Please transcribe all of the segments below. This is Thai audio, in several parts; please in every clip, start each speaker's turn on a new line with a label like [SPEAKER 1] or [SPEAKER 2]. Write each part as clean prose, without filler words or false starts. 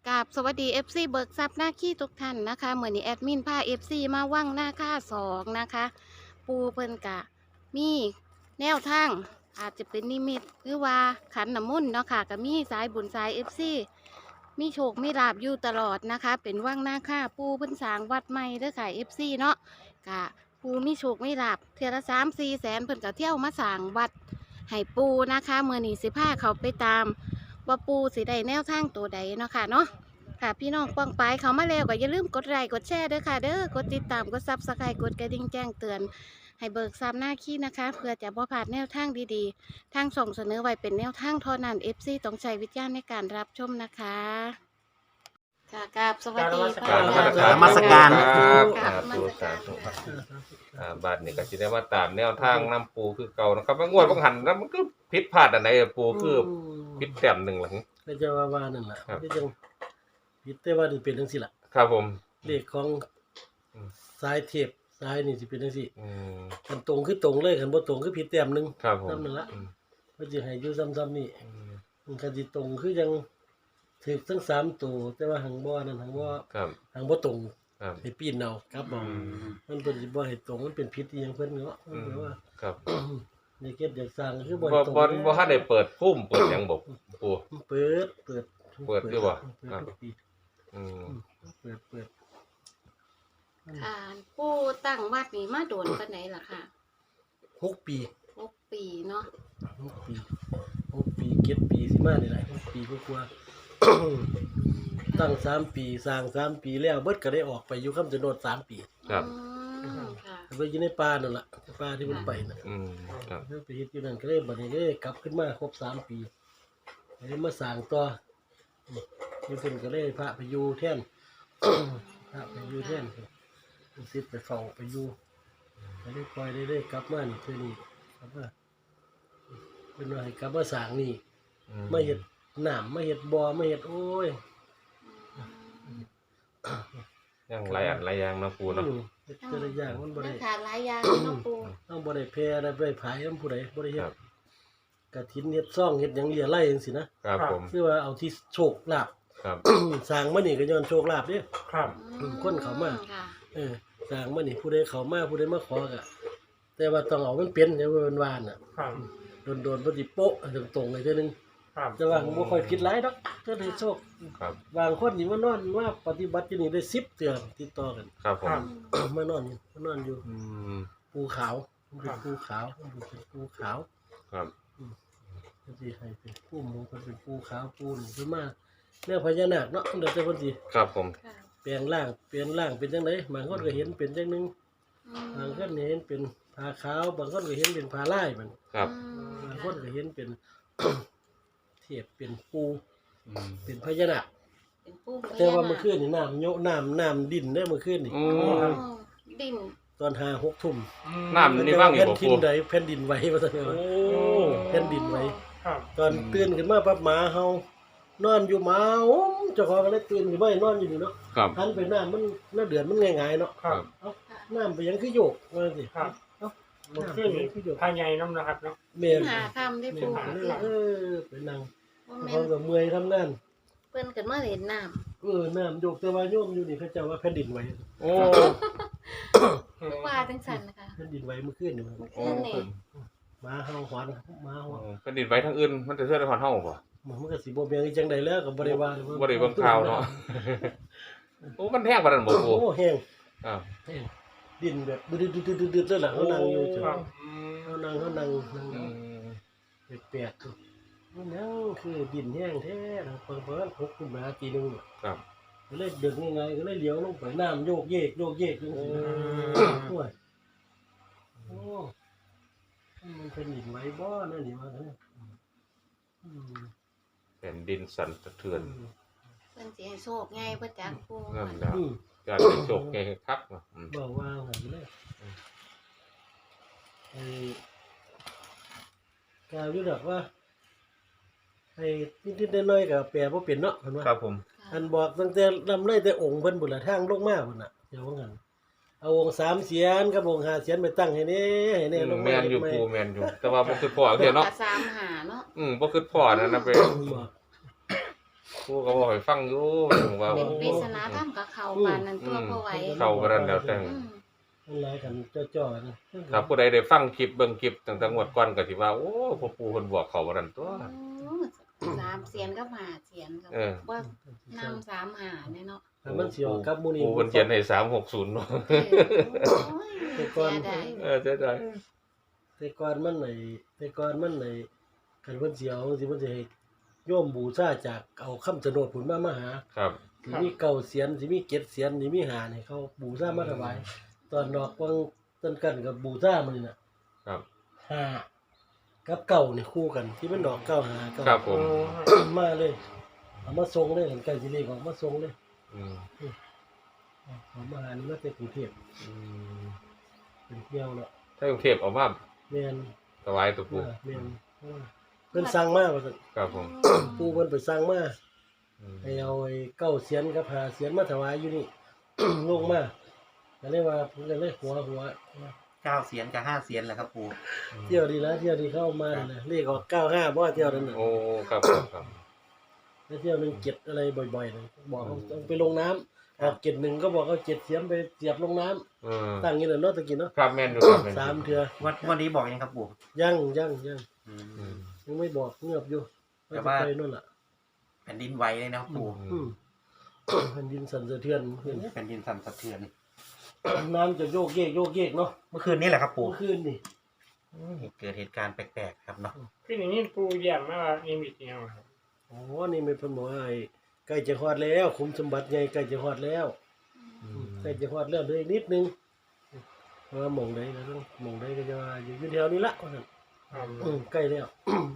[SPEAKER 1] กราบสวัสดี FC เบิกทรัพย์หน้าขี้ทุกท่านนะคะเหมือนนี้แอดมินพา FC มาว่างหน้าค่าสองนะคะปูเพิ่นกะมีแนวทางอาจจะเป็นนิมิตหรือว่าขันน้ำมนต์เนาะค่ะก็มีสายบุญสาย FC มีโชคมีลาบอยู่ตลอดนะคะเป็นว่างหน้าค่าปูเพิ่นสร้างวัดใหม่เด้อค่ะ FC เนาะกะปูมีโชคมีลาบเทื่อละ3-4 แสนเพิ่นก็เที่ยวมาสร้างวัดให้ปูนะคะเมื่อนี้สิพาเขาไปตามว่าปูสิได้แนวทางตัวใดเนาะค่ะเนาะ ค่ะพี่น้องป้องไปเขามาแล้วก็อย่าลืมกดไลค์กดแชร์ด้วยค่ะเด้อกดติดตามกดซับสไครต์กดกระดิ่งแจ้งเตือนให้เบิกทรัพย์หน้าขี้นะคะเพื่อจะบ่พลาดแนวทางดีๆทางส่งเสนอไว้เป็นแนวทางเท่านั้น FC ต้องใช้วิจารณ์ในการรับชมนะคะค่ะกราบสวัสดี
[SPEAKER 2] กราบ
[SPEAKER 1] ค่ะ
[SPEAKER 2] นมัสการ
[SPEAKER 3] ครับ
[SPEAKER 1] กราบนมั
[SPEAKER 3] ปู
[SPEAKER 1] สการ
[SPEAKER 3] สาธุบาทนี่ก็สิได้มาตามแนวทางน้ำปูคือเก่านะครับว่างวดบางหันแล้วมันก็ผิดพลาดอันไหนอะปูคือผิดแต้มหนึ่งหลัง
[SPEAKER 2] ก็จะว่านั่นแหละ
[SPEAKER 3] ครับ
[SPEAKER 2] ที่จังพิดแต่ว่านี่เป็นจังซี่ล่ะ
[SPEAKER 3] ครับผม
[SPEAKER 2] เลขของ
[SPEAKER 3] อืม
[SPEAKER 2] สายเทพสายนี่สิเป็นจังซี่
[SPEAKER 3] อืม
[SPEAKER 2] คันตรงคือตรงเลยคันบ่ตรงคือผิดแต้มหนึง
[SPEAKER 3] ครับผม
[SPEAKER 2] นั่นละ
[SPEAKER 3] อืม
[SPEAKER 2] เพิ่นสิให้อยู่ซ้ำๆนี่
[SPEAKER 3] อืม
[SPEAKER 2] มันคันสิตรงคือยังถูกทั้ง3ตัวแต่ว่าหังบ่นั่นหังบ่
[SPEAKER 3] ครับ
[SPEAKER 2] หังบ่ตรง
[SPEAKER 3] ครับ
[SPEAKER 2] ให้ปีนเอาครับบ่
[SPEAKER 3] อืม
[SPEAKER 2] มันเพิ่นสิบ่ให้ตรงมันเป็นผิดอีหยังเพิ่นเนาะมันแปลว่า
[SPEAKER 3] ครับ
[SPEAKER 2] ในเกตอยากสร้างคือบ่
[SPEAKER 3] บ่
[SPEAKER 2] ให้ตรง
[SPEAKER 3] บ่ทันได้เปิดพุ่มเปิดหยังบ่ปู
[SPEAKER 2] เปิด
[SPEAKER 3] เปิดอยู่บ่
[SPEAKER 2] เปิด
[SPEAKER 3] ครับ
[SPEAKER 2] ทุกปี
[SPEAKER 3] อืม
[SPEAKER 2] เปิด
[SPEAKER 1] ค่ะปูตั้งวัดนี้มาโดนปานไหนล่ะค่ะ
[SPEAKER 2] 6 ปี
[SPEAKER 1] 6 ปีเนาะ
[SPEAKER 2] 6 ปี7 ปีสิมานี่แหละ6 ปีกว่าๆ ตั้ง3 ปีสร้าง3 ปีแล้วเบิดก็ได้ออกไปอยู่คำชะโนด3 ปี
[SPEAKER 3] ครับ
[SPEAKER 1] อืมค่ะ
[SPEAKER 2] ไปอยู่ในป่านั่นล่ะป่าที่มันไปน่ะ
[SPEAKER 3] อืมครับ
[SPEAKER 2] ไปเฮ็ดอยู่นั่นก็เลยบัดนี้ก็เลยกลับขึ้นมาครบ3 ปีเลยมาสร้างต่ออยู่เพิ่นก็เลยพระไปอยู่แทน พระไปอยู่แทนลูกศิษย์ไปเฝ้าไปอยู่ก็เลยปล่อยได้กลับมานี่เทื่อนี้กลับมาเพิ่นว่าให้กลับมาสร้างนี่
[SPEAKER 3] อื
[SPEAKER 2] มาเฮ็ดน้ำมาเฮ็ดบ่อมาเฮ็ดโอ้ย
[SPEAKER 3] ยังหลายอันหลายอย่างเนาะปูเนาะ
[SPEAKER 2] เฮ็ดแต่ละอย่างมันบ่
[SPEAKER 1] นั
[SPEAKER 2] ได้
[SPEAKER 1] กขาหลายอย่างเนาะปู
[SPEAKER 2] ต้องบ่ได้แพ้ได้บ่ได้ผายนำผู้ใดบ่ได้เฮ็
[SPEAKER 3] ครั
[SPEAKER 2] ด
[SPEAKER 3] บ
[SPEAKER 2] กฐินเฮ็ดซ่องเฮ็ดหยังเหลี่ยไล่จังซี่นะครับ
[SPEAKER 3] ผม
[SPEAKER 2] คือว่าเอาที่โชคลาภ
[SPEAKER 3] ครับ
[SPEAKER 2] สร้างมานี่ก็ย้อนโชคลาภเด้
[SPEAKER 4] ครับ
[SPEAKER 2] คนเข้ามา
[SPEAKER 1] ค่ะ
[SPEAKER 2] สร้างมานี่ผู้ใดเข้ามาผู้ใดมาขอก็แต่ว่าต้องเอามันเป็นอย่าว่ามันว่าน่ะ
[SPEAKER 4] ครับ
[SPEAKER 2] โดนๆบ่สิโป๊ะตรงๆเลยเทื่อนึง
[SPEAKER 4] ครับ
[SPEAKER 2] แต่ว่าบ่ค่อยผิดหลายดอกเทื่อได้โชค
[SPEAKER 3] ครับ
[SPEAKER 2] บางคนนี่มานอนว่าปฏิบัติอยู่นี่ได้10เทื่อติดต่อกัน
[SPEAKER 3] ครับผม
[SPEAKER 2] มานอนอยู่
[SPEAKER 3] อืม
[SPEAKER 2] ภูเขามันเป็นภูเขามันเป็นภูเขา
[SPEAKER 3] ครับ
[SPEAKER 2] มันสิให้เป็นภูหมูมันเป็นภูเขาปูนขึ้นมาเรื่องพญานาคเนาะเดี๋ยวจะคนสิ
[SPEAKER 3] ครับผม
[SPEAKER 1] ค่ะ
[SPEAKER 2] เปลี่ยนร่างเป็นจังไดบางคนก็เห็นเป็นจังหนึง
[SPEAKER 1] อืม
[SPEAKER 2] บางคนเห็นเป็นผ้าขาวบางคนก็เห็นเป็นผ้าลายมัน
[SPEAKER 3] ครับ
[SPEAKER 2] บางคนก็เห็นเป็น เทียบเป็นปู
[SPEAKER 3] อืม
[SPEAKER 2] เป็นพญานาค
[SPEAKER 1] เป็นปู
[SPEAKER 2] แต่ว่าเมื่อคืนนี่น้ำดินได้เมื่อคืนนี่
[SPEAKER 3] โอ้
[SPEAKER 1] ดิน
[SPEAKER 2] ตอน5-6 ทุ่ม
[SPEAKER 3] น้ำนี่ว่างอยู่
[SPEAKER 2] แผ่น
[SPEAKER 3] บ่
[SPEAKER 2] ดิ
[SPEAKER 3] ปู
[SPEAKER 2] นใดแผ่นดินไหวว่าซั่น
[SPEAKER 3] โอ้
[SPEAKER 2] แผ่นดินไหว
[SPEAKER 4] ครับ
[SPEAKER 2] ตอนตื่นขึ้นมาปั๊บหมาเฮานอนอยู่หมาเจ้าของก็เลยตื่นขึ้นมานอนอยู่นี่เนาะ
[SPEAKER 3] ครับ
[SPEAKER 2] หันไปน้ำมันน้าเดือนมันง่ายๆเนาะ
[SPEAKER 4] ครับ
[SPEAKER 2] เอ้าน้ำไปยังคือโยกว่าสิ
[SPEAKER 4] ครับ
[SPEAKER 2] เอ้า
[SPEAKER 4] มัน
[SPEAKER 2] น้ำไป
[SPEAKER 4] ขึ้น
[SPEAKER 2] ยังคือโยก
[SPEAKER 4] ภายในน้ำนะครับเนาะ
[SPEAKER 2] แม่น
[SPEAKER 1] หาคำได้
[SPEAKER 2] แม่
[SPEAKER 1] ปู
[SPEAKER 2] นก็เลยไปนั่ง
[SPEAKER 1] ว่า
[SPEAKER 2] พ
[SPEAKER 1] แม่
[SPEAKER 2] ร้อม
[SPEAKER 1] น
[SPEAKER 2] กับเมื่อยทำงาน
[SPEAKER 1] เพิ่นกันมาเห็นน้
[SPEAKER 2] น้ำโยกแต่ว่าโยมอยู่นี่เขาเจ้าว่าแผ่นดินไหว
[SPEAKER 3] โอ้
[SPEAKER 1] ำคือว่าจังสันนะคะ
[SPEAKER 2] แผ่นดินไหวเมื่อคืนนี่มัน
[SPEAKER 1] เมื่อคืนนี่
[SPEAKER 2] หมาเฮาหอนหมาเฮา
[SPEAKER 3] เป็นดินไว้ทางอื่นมันจะเชื่อในความเท่าป่ะ
[SPEAKER 2] มันก็สิบ่แม่นอีจังใดแล้วก็บ่ได้ว่า
[SPEAKER 3] บ่ได้เบิ่งข่าวเนาะ โอ้มันแห้งปานนั้นบ่ปู
[SPEAKER 2] โอ้แห้ง
[SPEAKER 3] อ้าว
[SPEAKER 2] แห้งดินแบบดึดๆๆๆแล้วล่ะเขานั่งอยู่จ้ะ
[SPEAKER 4] ครับ
[SPEAKER 2] เขานั่ง
[SPEAKER 3] อืม
[SPEAKER 2] แปลกๆมันนั่งคือดินแห้งแท้นะเปิด6ขึ้นมาทีนึง
[SPEAKER 3] ครับ
[SPEAKER 2] ก็เลยเดินง่ายๆก็เลยเลี้ยวลงไปน้ำโยกเยกโยกเยกจังซี่โอ้ยโอ้มันเป็นหินไหวบ่นั่นนี่ว่าซั่นอืม
[SPEAKER 3] แผ่นดินสั่นสะเทือน
[SPEAKER 1] เพิ่นสิให้โชคไงเพิ่นจักปู
[SPEAKER 3] นั่นแหละ
[SPEAKER 2] อืม
[SPEAKER 3] การเป็นโชคแก่คักเนาะอืม
[SPEAKER 2] บอกว่าหันเลยไอ้กาวอยู่ดอกว่าไอ้นิดๆน้อยๆก็แปลบ่เป็นเนาะเพิ่นว่า
[SPEAKER 3] ครับผม
[SPEAKER 2] อันบอกตั้งแต่ลำไรแต่องค์เพิ่นบุญละทางลงมาพุ่นน่ะเดี๋ยวว่างั้นเอาองค์3เสียนกับองค์5เสียนไปตั้งให้แน่ลงมา
[SPEAKER 3] แม่นอยู่ปูแม่นอยู่ แต่ว่าบ่คือพ่อเทียเนาะ
[SPEAKER 1] สามหาเนาะ
[SPEAKER 3] บ่คือพ่อนั่นนะไป
[SPEAKER 2] บอก
[SPEAKER 3] ปูก็บอกให้ฟังอยู่ว่า
[SPEAKER 1] เป็นปริศนาธรรมกับเขาปานนั้นตัวพอไหว
[SPEAKER 3] เข้าบ่ทันแล้วแต่
[SPEAKER 1] อืม
[SPEAKER 2] มันหลายกันจ่อๆนะครับ
[SPEAKER 3] ผู้ใดได้ฟังคลิปเบิ่งคลิปตั้งแต่งวดก่อนก็สิว่าโอ้พ่อปู่เพิ่นบอกเขาบ่ทันตัว
[SPEAKER 1] 3เสียนกับ5เสียนกับ
[SPEAKER 3] เออ
[SPEAKER 1] ว่านำ3หาเนี่ยเนาะ
[SPEAKER 2] ถ้ามันสิออกกับหมู่นี้
[SPEAKER 3] ปู่เพิ่นเขียนให้360เนาะ
[SPEAKER 1] โอ้ย
[SPEAKER 2] แต่ก่อน
[SPEAKER 1] เสียดาย
[SPEAKER 3] จะได้
[SPEAKER 2] แต่ก่อนมันคันเพิ่นสิเอาสิเพิ่นสิให้โยมบูชาจากเอาคำชะโนดพุ่นมาหา
[SPEAKER 3] ครับ
[SPEAKER 2] สิมีเก่าเสียนสิมีเก็ดเสียนสิมีหานี่เขาบูชามาถวายตอนดอกวังต้นกันกับบูชามื้อนี่น่ะ
[SPEAKER 3] ครับ
[SPEAKER 2] หากับเก่านี่คู่กันที่มันดอกเก่าหาเก่า
[SPEAKER 3] ครับผม
[SPEAKER 2] มาเลยเอามาส่งเลยกันใกล้สิเลขออกมาส่งเลย
[SPEAKER 3] อืม
[SPEAKER 2] เอามาหานี่มาแต่กรุงเทพ
[SPEAKER 3] อืม
[SPEAKER 2] เป็นเที่ยวเนาะ
[SPEAKER 3] ถ้ากรุงเทพเอามา
[SPEAKER 2] แม่น
[SPEAKER 3] ถวายตัวปู่
[SPEAKER 2] แม่นเพิ่นสั่งมาว่าซั่น
[SPEAKER 3] ครับผม
[SPEAKER 2] ปู่เพิ่นไปสั่งมา
[SPEAKER 3] อืม
[SPEAKER 2] ให้เอาไอ้เก้าเสียนกับหาเสียนมาถวายอยู่นี่ ลงมาก็เลยว่าเพิ่นก็เลยหัว
[SPEAKER 4] 9 เสียนกับ 5 เสียนแหละครับปู่
[SPEAKER 2] เที่ยวดีแล้วเที่ยวดีเข้ามานั่นน่ะเลขออก95บ่ว่าเที่ยวนั้นน่ะ
[SPEAKER 3] โอ้ครับครับครับ
[SPEAKER 2] แล้วเที่ยวนึงเก็บอะไรบ่อยๆเลยบอกเขาต้องไปลงน้ำออกเก็บหนึ่งก็บอกเอาเก็บเสียมไปเสียบลงน้ำ
[SPEAKER 3] เออ
[SPEAKER 2] ตั้งอย่างนี้เนาะตะกี้เนาะ
[SPEAKER 3] ครับแม่นอยู่ครับแม่น
[SPEAKER 2] สามเทื่อ
[SPEAKER 4] วันนี้บอกยังครับปู่
[SPEAKER 2] ยัง
[SPEAKER 4] อืม
[SPEAKER 3] อืม
[SPEAKER 2] ยังไม่บอกเงียบอยู่
[SPEAKER 4] แต่
[SPEAKER 2] ว่า
[SPEAKER 4] ว่า
[SPEAKER 2] จะไปนู่นล่ะ
[SPEAKER 4] แผ่นดินไหวเลยนะครับปู่
[SPEAKER 2] อืม แผ่นดินสั่นสะเทือนขึ้น
[SPEAKER 4] แผ่นดินสั่นสะเทือน
[SPEAKER 2] น้ำจะโยกเยกเนาะ
[SPEAKER 4] เมื่อคืนนี้แหละครับปู่
[SPEAKER 2] เมื่อคืนนี่
[SPEAKER 4] เกิดเหตุการณ์แปลกๆครับเนาะ
[SPEAKER 5] คืออย่างนี้ปูแย้มมาว่านิมิตเนี่ยครับ
[SPEAKER 2] โอ้นี่ไม่เพิ่นบอกว่าไอ้ใกล้จะฮอดแล้วคุมสมบัติใหญ่ใกล้จะฮอดแล้ว
[SPEAKER 3] อืม
[SPEAKER 2] ใกล้จะฮอดแล้วเหลยนิดนึงว่าหม่องใดนะต้องหม่องใดก็จะว่าอยู่แถวนี้ละว่าซั่น
[SPEAKER 5] ครับ
[SPEAKER 2] ใกล้แล้ว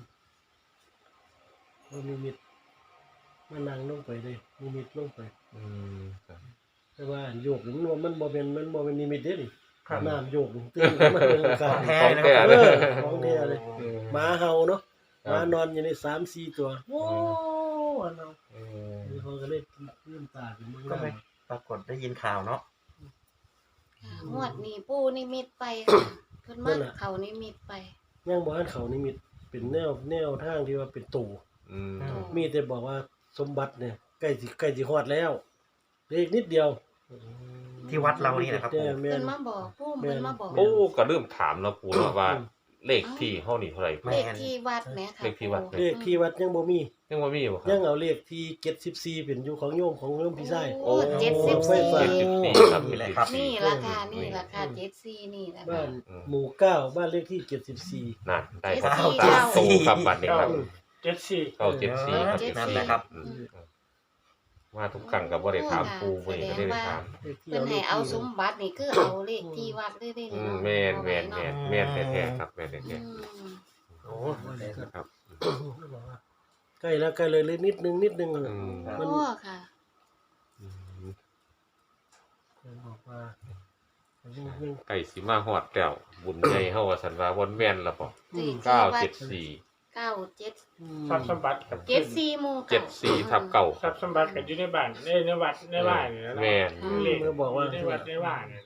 [SPEAKER 2] ว่ามีมิดมานั่งลงไปเลยมีมิดลงไป
[SPEAKER 3] อืมครับ
[SPEAKER 2] แต่ว่าโยกนี่มันบ่เป็นนิมิตเด้นี่
[SPEAKER 5] ครับ
[SPEAKER 2] น้ำโยกนี่ตื่นขึ้นมาเป็นกา
[SPEAKER 4] ของ
[SPEAKER 2] ร
[SPEAKER 4] แท้
[SPEAKER 3] ของ
[SPEAKER 4] เลย
[SPEAKER 3] แท้
[SPEAKER 4] นะ
[SPEAKER 3] เลย
[SPEAKER 2] ของแท้เลย
[SPEAKER 3] อืม
[SPEAKER 2] หมาเห่าเนาะห
[SPEAKER 3] ครับ
[SPEAKER 2] มานอนอยู่ใน3-4 ตัวโอ้เนาะ
[SPEAKER 3] เออ
[SPEAKER 2] เขาก็เลยลืมตาขึ้นมา
[SPEAKER 4] ก็ไม่ปรากฏได้ยินข่าวเนาะ
[SPEAKER 1] งวดนี้ปูนิมิตไปค่ะเพิ่นมาเขานิมิตไป
[SPEAKER 2] ยังบ่ทันเขานิมิตเป็นแนวทางที่ว่าเป็นตู่
[SPEAKER 3] อืม
[SPEAKER 2] มีแต่บอกว่าสมบัติเนี่ยใกล้สิฮอดแล้วเหลืออีกนิดเดียว
[SPEAKER 4] ที่วัดเรานี่แหละครับปู่
[SPEAKER 2] แม่
[SPEAKER 1] เพิ่
[SPEAKER 2] น
[SPEAKER 1] นมาบอกปูเพิ่นมาบอก
[SPEAKER 3] โอ้ก็เริ่มถามแล้วปู่เนาะว่าเลขที่เฮานี่เท่าไหร่
[SPEAKER 1] เลขที่วัดแหมค่ะ
[SPEAKER 3] เลขที่วัด
[SPEAKER 2] เลขที่วัดยังบ่มี
[SPEAKER 3] ยังบ่มีบ่ค
[SPEAKER 2] ยั
[SPEAKER 3] รับ
[SPEAKER 2] งเอาเลขที่74เป็นอยู่ของโยมพี่ชาย
[SPEAKER 1] โอ้เจ็ดสิบ
[SPEAKER 2] ไฟ
[SPEAKER 1] สี่
[SPEAKER 2] ฟ้า
[SPEAKER 3] 74ครับ
[SPEAKER 4] นี่แหละครับ
[SPEAKER 1] นี่ราคานี่ราคา74นี่แหละ
[SPEAKER 2] บ้า
[SPEAKER 1] ค่ะ
[SPEAKER 2] นหมู่9บ้านเลขที่74
[SPEAKER 3] นั่นได้ครับ
[SPEAKER 1] เจ็ดสี่
[SPEAKER 3] ตามตู้ครับบัดนี้ครับ
[SPEAKER 5] 74
[SPEAKER 3] เข้า74ครับ
[SPEAKER 4] นั่นแหละครับ
[SPEAKER 1] อืม
[SPEAKER 3] มาทุกครั้งก็บ่ได้ถามปู่เพิ่นก็ได้ถาม
[SPEAKER 2] เลขที่
[SPEAKER 1] เพิ่นให้เอาสมบัตินี่คือเอาเลขที่วัดได้
[SPEAKER 3] อื
[SPEAKER 1] เนาะ
[SPEAKER 3] มแม่นแม่นแท้ๆครับแม่น
[SPEAKER 1] อื
[SPEAKER 3] แท้
[SPEAKER 1] ม
[SPEAKER 4] โอ้
[SPEAKER 3] ๆครับ
[SPEAKER 2] ใกล้แล้วใกล้เลยนิดนึง
[SPEAKER 3] อืม
[SPEAKER 1] โอ้ค่ะ
[SPEAKER 3] อืม
[SPEAKER 2] บอกว่า
[SPEAKER 3] ไก่สิมาฮอดแล้วบุญใหญ่เฮาว่าซั่นว่าบ่แม่นละบ่
[SPEAKER 1] สี่
[SPEAKER 3] 974
[SPEAKER 1] 97
[SPEAKER 5] ทรัพย์สมบัติกับ
[SPEAKER 1] 74หมู่
[SPEAKER 3] 74ทับเก่า
[SPEAKER 5] ทรัพย์สมบัติกับอยู่ในบ้านในวัดในบ้านนี่นะ
[SPEAKER 3] แม่น
[SPEAKER 5] เลข
[SPEAKER 2] เมื่อบอกว่า
[SPEAKER 5] ในวัดในบ้านเนี่ย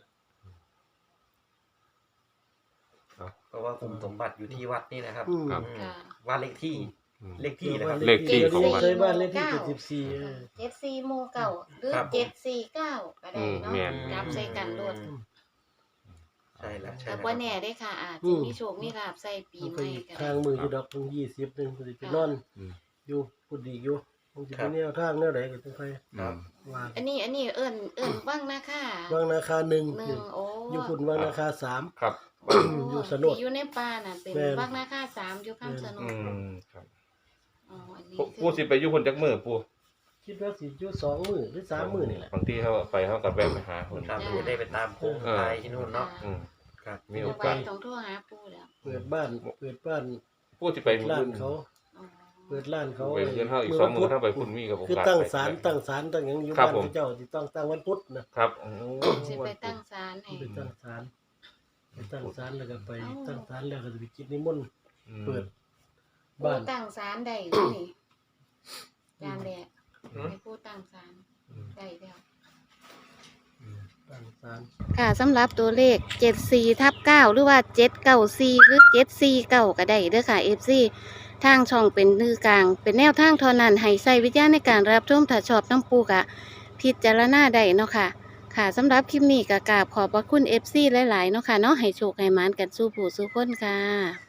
[SPEAKER 4] เพราะว่าคุมสมบัติอยู่ที่วัดนี่นะครับ
[SPEAKER 3] ครับ
[SPEAKER 1] ค่ะ
[SPEAKER 4] ว่าเลขที่
[SPEAKER 3] อืม
[SPEAKER 4] เลขที่นะครับ
[SPEAKER 3] เลขที่ของวัด
[SPEAKER 2] เคยบ้านเลขที่
[SPEAKER 1] เก้า
[SPEAKER 2] 74
[SPEAKER 1] 74หมู่เก่าหรือ
[SPEAKER 4] ครับ
[SPEAKER 1] 749ก็ได้เนาะ
[SPEAKER 3] แม่น
[SPEAKER 1] จับใส่กันโลด
[SPEAKER 4] ใช่แล้วใช่
[SPEAKER 1] แต่
[SPEAKER 4] แล้ว
[SPEAKER 1] ว่าแน่ได้ค่ะอาจจะมีโชคมีลาภใส่ปี
[SPEAKER 2] มัน
[SPEAKER 1] ให
[SPEAKER 2] ไป
[SPEAKER 1] ม่ก็
[SPEAKER 2] ทา
[SPEAKER 1] ได้
[SPEAKER 2] งมืออยู่ดอก20นึงสิไปนอน
[SPEAKER 3] อืม
[SPEAKER 2] อยู่พูดดีอยู่มันสิเป็นแนวทางแนวใดก็ต้องไป
[SPEAKER 4] ครับ
[SPEAKER 2] ว่า
[SPEAKER 1] อันนี้เอิ้นว่างนาค่ะ
[SPEAKER 2] วางนาคา1
[SPEAKER 1] หนึ่งโอ้
[SPEAKER 2] อยู่พุ่นวางนาคา3
[SPEAKER 3] ครับ
[SPEAKER 2] อยู่สนด
[SPEAKER 1] ที่อยู่ในป่าน่ะเป็น
[SPEAKER 2] แม่น
[SPEAKER 1] ว่างนาค่ะ3อยู่ข้างสน
[SPEAKER 3] อื
[SPEAKER 1] ด
[SPEAKER 3] มครับ
[SPEAKER 1] อ๋ออันนี้
[SPEAKER 3] ปู่สิไปอยู่พุ่นจักมื้อปู่
[SPEAKER 2] คิดว่าสิอยู่2 มื้อหรือ3 มื้อนี่แหละ
[SPEAKER 3] บางทีเฮาไปเฮาก็แวะไปหาเพิ่น
[SPEAKER 4] ตามดูได้ไปตามโค้งไทยที่นู่นเนาะ
[SPEAKER 3] อืม
[SPEAKER 4] ครับ
[SPEAKER 3] มี
[SPEAKER 1] มี
[SPEAKER 3] โอ
[SPEAKER 1] โอก
[SPEAKER 3] า
[SPEAKER 1] ส
[SPEAKER 3] ส
[SPEAKER 1] ต้องโทรหาปู่แล้ว
[SPEAKER 2] เปิดบ้าน
[SPEAKER 3] ปู่สิไปมื้อ
[SPEAKER 2] ร้าน
[SPEAKER 3] อื่น
[SPEAKER 2] เขา
[SPEAKER 1] อ๋อ
[SPEAKER 2] เปิดร้านเขา
[SPEAKER 3] ไปเรียนเฮาอีก2มื้อถ้าไปพุ่นมีกับโอ
[SPEAKER 2] คือก
[SPEAKER 3] าส
[SPEAKER 2] ตั้ง
[SPEAKER 3] ไป
[SPEAKER 2] ศาลตั้งหยังอยู่
[SPEAKER 3] ครั
[SPEAKER 2] บ้า
[SPEAKER 3] บ
[SPEAKER 2] น
[SPEAKER 3] ผม
[SPEAKER 2] พระเจ้าที่ต้องตั้งวันพุธนะครับ
[SPEAKER 3] โอ้
[SPEAKER 1] สิไปตั้งศาลให้
[SPEAKER 2] ไปตั้งศาลแล้วก็ไปตั้งศาลแล้วก็จะไปกินนิมนต์
[SPEAKER 3] อืม
[SPEAKER 2] เปิด
[SPEAKER 1] ปู่
[SPEAKER 2] บ้าน
[SPEAKER 1] ตั้งศาลได้อยู่นี่จานแดดให้ปู่ตั้งศาลได้แล้ว
[SPEAKER 2] ตั้งศาล
[SPEAKER 1] ค่ะสำหรับตัวเลข 74/9 หรือว่า 794 หรือ 749 ก็ได้เด้อค่ะ FC ทางช่องเป็นนือกลาง เป็นแนวทางเท่านั้นให้ใช้วิจารณ์ในการรับชมถ้าชอบน้ำปูกะพิจารณาได้เนาะค่ะ ค่ะสำหรับคลิปนี้ก็กราบขอบพระคุณ FC หลาย ๆ เนาะค่ะเนาะให้โชคให้หมานกันสู้ผู้สู้คนค่ะ